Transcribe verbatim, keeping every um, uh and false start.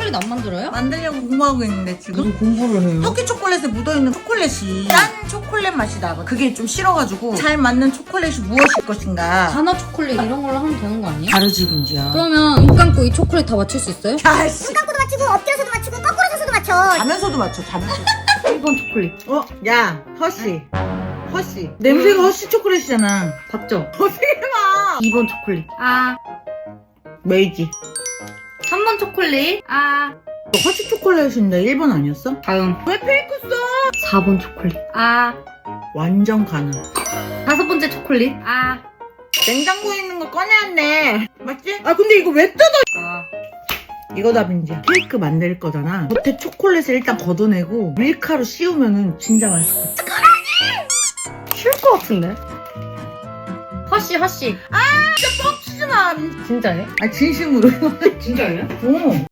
초콜릿 안 만들어요? 만들려고 공부하고 있는데 지금. 무슨 공부를 해요? 터키 초콜릿에 묻어있는 초콜릿이 짠 초콜릿 맛이 나고 그게 좀 싫어가지고 잘 맞는 초콜릿이 무엇일 것인가. 단어 초콜릿 이런 걸로 하면 되는 거 아니에요? 다르지 민지야. 그러면 눈 감고 이 초콜릿 다 맞출 수 있어요? 야씨. 눈 감고도 맞추고 엎드려서도 맞추고 거꾸로 서서도 맞춰. 자면서도 맞춰 자면서. 일 번 초콜릿. 어? 야 허쉬 허쉬 냄새가 허쉬 초콜릿이잖아. 봤죠? 어떻게 봐. 이 번 초콜릿. 아. 메이지. 삼 번 초콜릿. 아. 허쉬 초콜릿인데 일 번 아니었어? 다음. 왜 페이크 써? 사 번 초콜릿. 아. 완전 가능. 다섯 번째 초콜릿. 아. 냉장고에 있는 거 꺼내왔네. 맞지? 아 근데 이거 왜 뜯어? 아. 이거다 민지야. 케이크 만들 거잖아. 겉에 초콜릿을 일단 걷어내고 밀가루 씌우면은 진짜 맛있을 것 같아. 쉬울 것 같은데? 허쉬 허쉬. 뻥치지 마. 진짜예요? 아 진심으로. 진짜예요? 오.